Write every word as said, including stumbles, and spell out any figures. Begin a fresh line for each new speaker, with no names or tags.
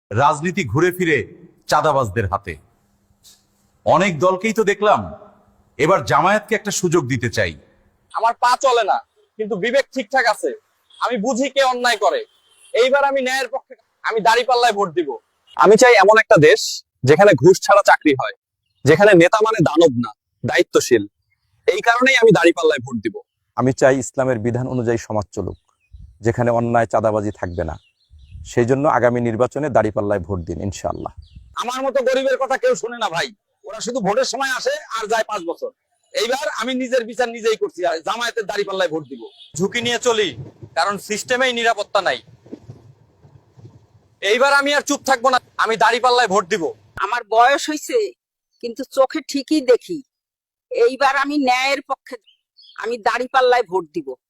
রাজনীতি ঘুরে ফিরে চাঁদাবাজদের হাতে। অনেক দলকেই তো দেখলাম, এবার জামায়াতকে একটা সুযোগ দিতে চাই।
আমার পা চলে না, কিন্তু বিবেক ঠিকঠাক আছে। আমি বুঝি কে অন্যায় করে। এইবার আমি ন্যায়ের পক্ষে, আমি দাঁড়িপাল্লায় ভোট দিব। আমি চাই এমন একটা দেশ যেখানে ঘুষ ছাড়া চাকরি হয়, যেখানে নেতা মানে দানব না, দায়িত্বশীল। এই কারণেই আমি দাঁড়িপাল্লায় ভোট দিব।
আমি চাই ইসলামের বিধান অনুযায়ী সমাজ চলুক, যেখানে অন্যায় চাঁদাবাজি থাকবে না। সেই জন্য আগামী নির্বাচনে দাঁড়িপাল্লায় ভোট দিন ইনশাআল্লাহ।
আমার মতো গরিবের কথা কেউ শোনে না ভাই। ওরা শুধু ভোটের সময় আসে আর যায় পাঁচ বছর। এইবার আমি নিজের বিচার নিজেই করছি, আর জামায়াতের দাঁড়িপাল্লায় ভোট দিব। ঝুঁকি নিয়ে চলি, কারণ সিস্টেমেই নিরাপত্তা নাই। এইবার আমি আর চুপ থাকবো না, আমি দাঁড়িপাল্লায় ভোট দিব।
আমার বয়স হয়েছে, কিন্তু চোখে ঠিকই দেখি। এইবার আমি ন্যায়ের পক্ষে, আমি দাঁড়িপাল্লায় ভোট দিব।